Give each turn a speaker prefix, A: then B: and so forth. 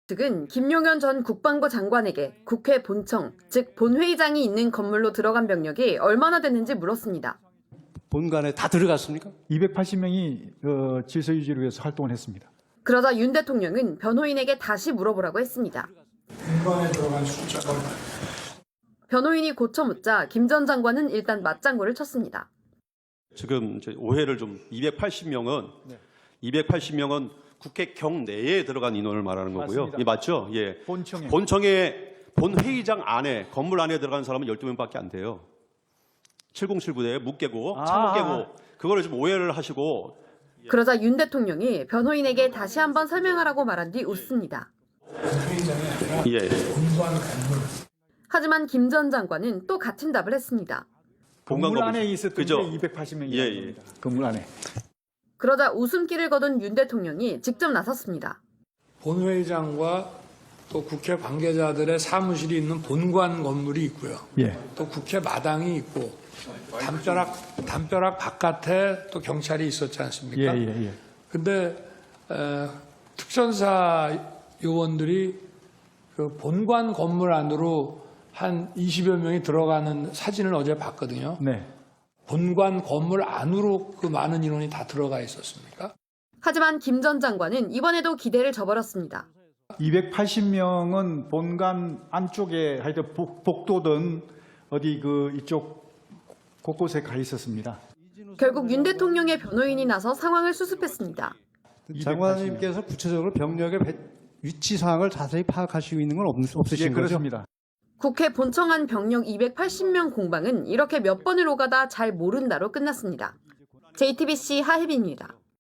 A: 측은 김용현 전 국방부 장관에게 국회 본청, 즉 본회의장이 있는 건물로 들어간 병력이 얼마나 됐는지 물었습니다.
B: 본관에 다 들어갔습니까?
C: 280명이 질서 유지를 위해서 활동을 했습니다.
A: 그러자 윤 대통령은 변호인에게 다시 물어보라고 했습니다.
D: 본관에 들어간 숫자가
A: 변호인이 고쳐 묻자 김 전 장관은 일단 맞장구를 쳤습니다.
E: 지금 이제 오해를 좀 280명은 국회 경내에 들어간 인원을 말하는 거고요.
C: 맞습니다.
E: 이 맞죠? 예.
C: 본청에
E: 본회의장 안에 건물 안에 들어간 사람은 12명밖에 안 돼요. 7079대 묵 깨고 창문 깨고 그거를 좀 오해를 하시고.
A: 그러자 윤 대통령이 변호인에게 다시 한번 설명하라고 말한 뒤 웃습니다.
D: 회의장이 아니라
E: 예.
D: 본관 건물.
A: 하지만 김 전 장관은 또 같은 답을 했습니다.
C: 건물 안에 있었던
E: 그죠?
C: 게 280명이라는
E: 예.
C: 겁니다. 건물 안에.
A: 그러자 웃음기를 거둔 윤 대통령이 직접 나섰습니다.
D: 본회의장과 또 국회 관계자들의 사무실이 있는 본관 건물이 있고요.
C: 예.
D: 또 국회 마당이 있고 담벼락 바깥에 또 경찰이 있었지 않습니까?
C: 예.
D: 근데 특전사 요원들이 그 본관 건물 안으로 한 20여 명이 들어가는 사진을 어제 봤거든요.
C: 네.
D: 본관 건물 안으로 그 많은 인원이 다 들어가 있었습니까?
A: 하지만 김 전 장관은 이번에도 기대를 저버렸습니다.
C: 280명은 본관 안쪽에 하여튼 복도든 어디 이쪽 곳곳에 가 있었습니다.
A: 결국 윤 대통령의 변호인이 나서 상황을 수습했습니다.
B: 장관님께서 구체적으로 병력의 위치 사항을 자세히 파악하시고 있는 건 없으신
C: 예,
B: 거죠?
C: 그렇습니다.
A: 국회 본청 안 병력 280명 공방은 이렇게 몇 번을 오가다 잘 모른다로 끝났습니다. JTBC 하혜빈입니다.